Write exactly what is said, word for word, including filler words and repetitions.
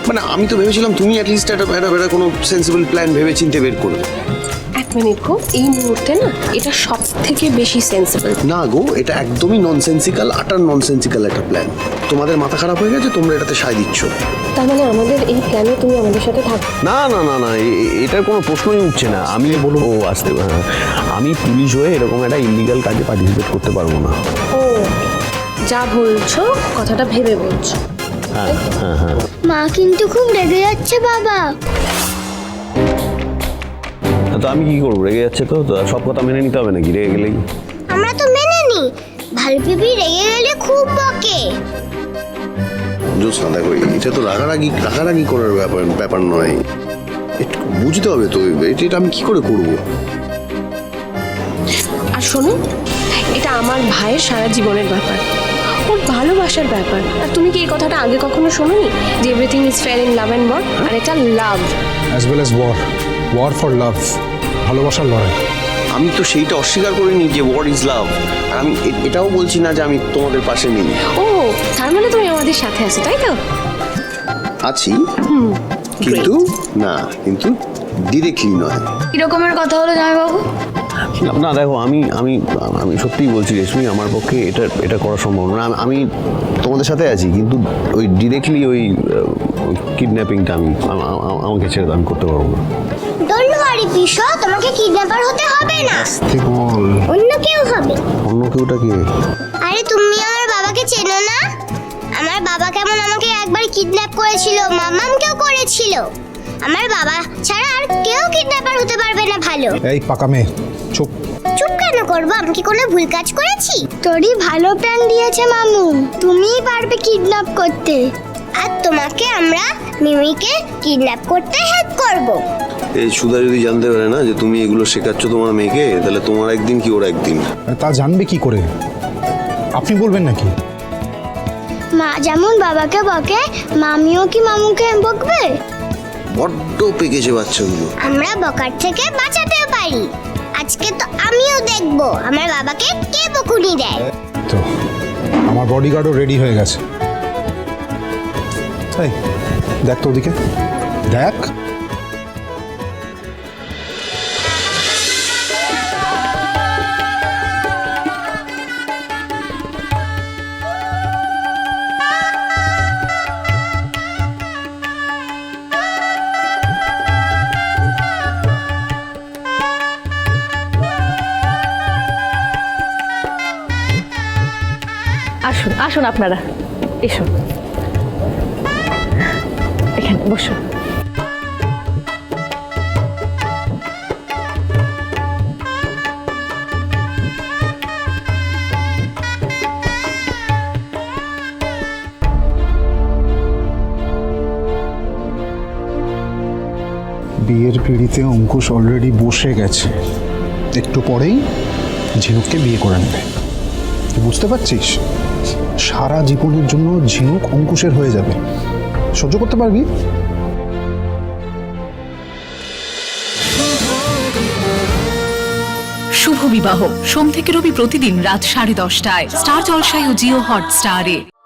মানে আমি তো ভেবেছিলাম তুমি অ্যাটলিস্ট একটা একটা কোনো সেন্সিবল প্ল্যান ভেবে চিন্তে বের করবে। এক মিনিট গো, এই মুহূর্তে না এটা সব থেকে বেশি সেন্সিবল। না গো, এটা একদমই ননসেন্সিক্যাল, আটার ননসেন্সিক্যাল একটা প্ল্যান। তোমাদের মাথা খারাপ হয়ে গেছে, তোমরা এটাতে সায় দিচ্ছ। তার মানে আমাদের এই প্ল্যানে তুমি আমাদের সাথে থাকবে? না না না না, এটার কোনো প্রশ্নই উঠছে না। আমি বলবো ও আসতে, হ্যাঁ, আমি পুলিশ হয়ে এরকম একটা ইলিগাল কাজে পার্টিসিপেট করতে পারবো না। ও, যা বলছো কথাটা ভেবে বলছো। হ্যাঁ হ্যাঁ হ্যাঁ। মা কিন্তু খুব রেগে যাচ্ছে বাবা। তো আমি কি করবো? রেগে যাচ্ছে তো, তো সব কথা মেনে নিতে হবে নাকি রেগে গেলেই? আমরা তো মেনে নি, ভালো পিপি রেগে গেলে খুব বকে। জোৎস্না দেখো, এটা তো রাগারাগি রাগারাগি করার ব্যাপার ব্যাপার নয়, একটু বুঝতে হবে তো এটা এটা আমি কি করে করবো। আর শোনো, এটা আমার ভাইয়ের সারা জীবনের ব্যাপার, ওর ভালোবাসার ব্যাপার। আর তুমি কি এই কথাটা আগে কখনো শোনোনি যে everything is fair in love and war? আর এটা love as well as war, war for love, ভালোবাসার লড়াই। আমি তো সেইটা অস্বীকার করিনি যে ওয়ার ইজ লাভ, আর আমি এ- এটাও বলছি না যে আমি তোমাদের পাশে নেই। ও, তার মানে তুমি আমাদের সাথে আছো, তাই তো? আছি, কিন্তু না, কিন্তু ডিরেক্টলি নয়। কি রকমের কথা হলো জামাইবাবু? না, না দেখো, আমি আমি আমি সত্যিই বলছি রেশমি, আমার পক্ষে এটা এটা করা সম্ভব না। আমি- আমি তোমাদের সাথে আছি, কিন্তু ওই ডিরেক্টলি ওই কিডন্যাপিংটা আমি আম- আম- আমাকে ছেড়ে দান করতে পারবো না। ডোন্ট ওয়ারি পিসো, তোমাকে কিডন্যাপার হতে হবে না, বল অন্য কেউ হবে। অন্য কেউটা কে? আরে তুমি আমার বাবাকে চেনো না? আমার বাবা কেমন আমাকে একবার কিডন্যাপ করেছিল, মামামকেও করেছিল। আমার বাবা ছাড়া আর কেউ কিডন্যাপার হতে পারবে না। ভালো, এই পাকা মেয়ে, চুপ। চুপ কেন করবো? আমি কি কোনো ভুল কাজ করেছি? তোরই ভালো প্ল্যান দিয়েছে মামু, তুমিই পারবে কিডন্যাপ করতে। আর তোমাকে আমরা মিমিকে কিডন্যাপ করতে হেল্প করব। এই সুধা যদি জানতে পারে না যে তুমি এগুলো শেখাচ্ছ তোমার মেয়েকে, তাহলে তোমার একদিন কি ওর একদিন। তা জানবে কি করে? আপনি বলবেন নাকি? মা যেমন বাবাকে বকে, মামিও কি মামুকে বকবে? বড্ড পেকেছে বাচ্চাগুলো। আমরা বকার থেকে বাঁচাতেও পারি। আজকে তো আমিও দেখবো আমার বাবাকে কে বকুনি দেয়। তো আমার বডিগার্ডও রেডি হয়ে গেছে। তাই দেখ তো ওদিকে, দেখ। আসুন আসুন, আপনারা এসো, এখানে বসো। বিয়ের পিঁড়িতে অঙ্কুশ অলরেডি বসে গেছে, একটু পরেই ঝিনুককে বিয়ে করে নেবে। তুই বুঝতে পারছিস? সারা জীবনের জন্য ঝিনুক অঙ্কুশের হয়ে যাবে। সহ্য করতে পারবি? শুভ বিবাহ সোম থেকে রবি প্রতিদিন রাত সাড়ে দশটায় স্টার জলসায় ও জিও হটস্টারে।